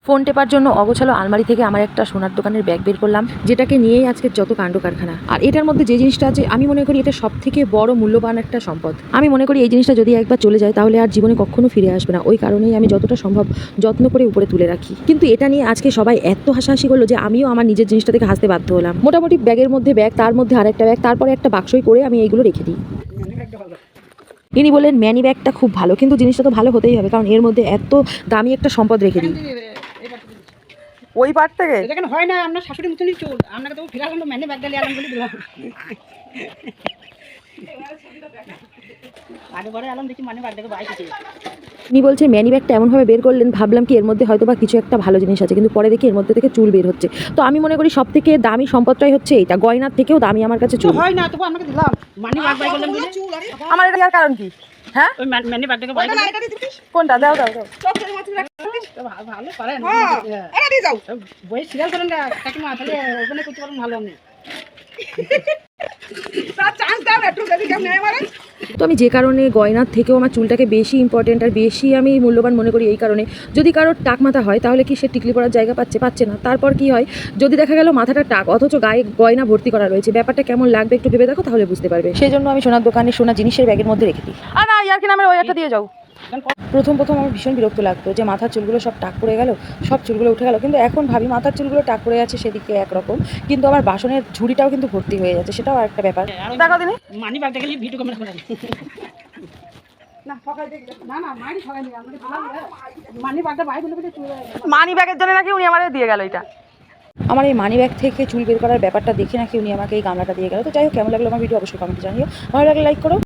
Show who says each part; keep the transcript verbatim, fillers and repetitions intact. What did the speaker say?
Speaker 1: Phone টেপার জন্য অগোছালো আলমারি থেকে আমার একটা সোনার দোকানের ব্যাগ বের করলাম, যেটাকে নিয়েই আজকে যত কাণ্ড কারখানা। আর এটার মধ্যে যে জিনিসটা আছে আমি মনে করি এটা সব থেকে বড় মূল্যবান একটা সম্পদ। আমি মনে করি এই জিনিসটা যদি একবার চলে যায় তাহলে আর জীবনে কখনো ফিরে আসবে না। ওই কারণেই আমি যতটা সম্ভব যত্ন করে উপরে তুলে রাখি। কিন্তু এটা নিয়ে আজকে সবাই এত হাসাহাসি করলো যে আমিও আমার নিজের জিনিসটা থেকে হাসতে বাধ্য হলাম। মোটামুটি ব্যাগের মধ্যে ব্যাগ, তার মধ্যে আরেকটা ব্যাগ, তারপরে একটা বাক্সই করে আমি এইগুলো রেখে দিই। ইনি বললেন ম্যানি ব্যাগটা খুব ভালো, কিন্তু জিনিসটা তো ভালো হতেই হবে, কারণ এর মধ্যে এত দামি একটা সম্পদ রেখে দিই। ওই পার্ট থেকে
Speaker 2: দেখেন হয় না, আপনার শাশুড়ি মতনই চুল, আপনাকে তো ফিরালাম তো ম্যানে ব্যাগটা নিয়ে আলাম বলে দিলাম। আগে পরে আলাম দেখি মানে ব্যাগটাকে বাইরে।
Speaker 1: উনি বলছে ম্যানি ব্যাগটা এমনভাবে বের করলেন, ভাবলাম কি এর মধ্যে হয়তো বা কিছু একটা ভালো জিনিস আছে, কিন্তু পরে দেখি এর মধ্যে থেকে চুল বের হচ্ছে। তো আমি মনে করি সব থেকে দামি সম্পদটাই হচ্ছে এটা, গয়নার থেকেও দামি আমার কাছে চুল।
Speaker 2: হয় না তবু আপনাকে দিলাম মানে ব্যাগ বাই করলাম বলে।
Speaker 1: আমার এটা দেওয়ার কারণ কি? হ্যাঁ,
Speaker 2: ওই ম্যানে ব্যাগটাকে বাই করলাম।
Speaker 1: কোনটা? দাও দাও দাও।
Speaker 2: ভালো পারেন, এটা দিয়ে যাও। বই সিরিয়াল করেন না কাকিমা, তাহলে ওখানে করতে পারেন ভালো আপনি। তার চান্স দাও একটু, যদি কেমন নেয় মারেন।
Speaker 1: তো আমি যে কারণে গয়নার থেকেও আমার চুলটাকে বেশি ইম্পর্টেন্ট আর বেশি আমি মূল্যবান মনে করি এই কারণে, যদি কারোর টাক মাথা হয় তাহলে কি সে টিকলি পড়ার জায়গা পাচ্ছে? পাচ্ছে না। তারপর কি হয়, যদি দেখা গেল মাথাটা টাক অথচ গায়ে গয়না ভর্তি করা রয়েছে, ব্যাপারটা কেমন লাগবে একটু ভেবে দেখো, তাহলে বুঝতে পারবে। সেই জন্য আমি সোনার দোকানে সোনা জিনিসের ব্যাগের মধ্যে রেখে দিই। আর না, ইয়ার কি নামের ওই একটা দিয়ে যাও। প্রথম প্রথম আমার ভীষণ বিরক্ত লাগতো যে মাথার চুলগুলো সব টাক পড়ে গেল, সব চুলগুলো উঠে গেল, কিন্তু এখন ভাবি মাথার চুলগুলো টাক পড়ে যাচ্ছে সেদিকে একরকম, কিন্তু আমার বাসনের ঝুড়িটাও কিন্তু ভর্তি হয়ে যাচ্ছে, সেটাও একটা ব্যাপার। দেখো দিনে
Speaker 2: মানি ব্যাগটাকে নিয়ে ভিডিও ক্যামেরা করেন না, সকাল থেকে না না মানি সকাল নিয়ে আমাদের মানি ব্যাগটা বাইরে বলে চলে যায়।
Speaker 1: মানি ব্যাগের জন্য নাকি উনি আমাদের দিয়ে গেল এটা। আমার এই মানি ব্যাগ থেকে চুল বের করার ব্যাপারটা দেখে নাকি উনি আমাকে এই গামলাটা দিয়ে গেল। তো যাই হোক, কেমন লাগলো আমার ভিডিও অবশ্যই কমেন্টে জানিও। ভালো লাগলে লাইক করো।